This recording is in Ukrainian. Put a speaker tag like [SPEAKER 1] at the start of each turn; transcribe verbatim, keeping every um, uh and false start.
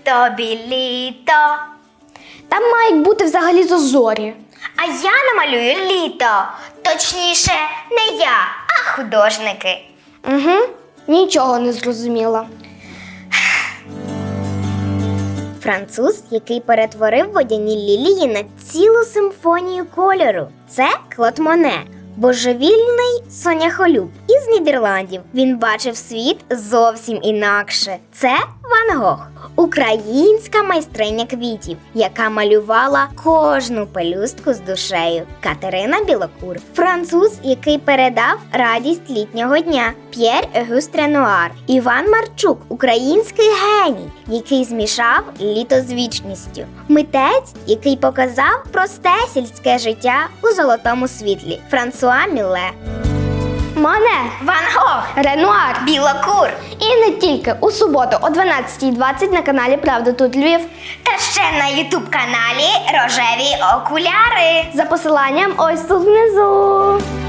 [SPEAKER 1] тобі літо.
[SPEAKER 2] Там мають бути взагалі зорі.
[SPEAKER 1] А я намалюю літо. Точніше, не я, а художники.
[SPEAKER 2] Угу, нічого не зрозуміла.
[SPEAKER 1] Француз, який перетворив водяні лілії на цілу симфонію кольору. Це Клод Моне. Божевільний соняхолюб із Нідерландів. Він бачив світ зовсім інакше. Це Ван Гог. Українська майстриня квітів, яка малювала кожну пелюстку з душею. Катерина Білокур. Француз, який передав радість літнього дня. П'єр Огюст Ренуар. Іван Марчук. Український геній, який змішав літо з вічністю. Митець, який показав просте сільське життя у золотому світлі. Франсуа Міле.
[SPEAKER 2] Моне,
[SPEAKER 1] Ван Гог.
[SPEAKER 2] Ренуар.
[SPEAKER 1] Білокур.
[SPEAKER 2] І не тільки у суботу о дванадцятій двадцять на каналі Правда тут Львів.
[SPEAKER 1] Та ще на ютуб-каналі Рожеві окуляри.
[SPEAKER 2] За посиланням ось тут внизу.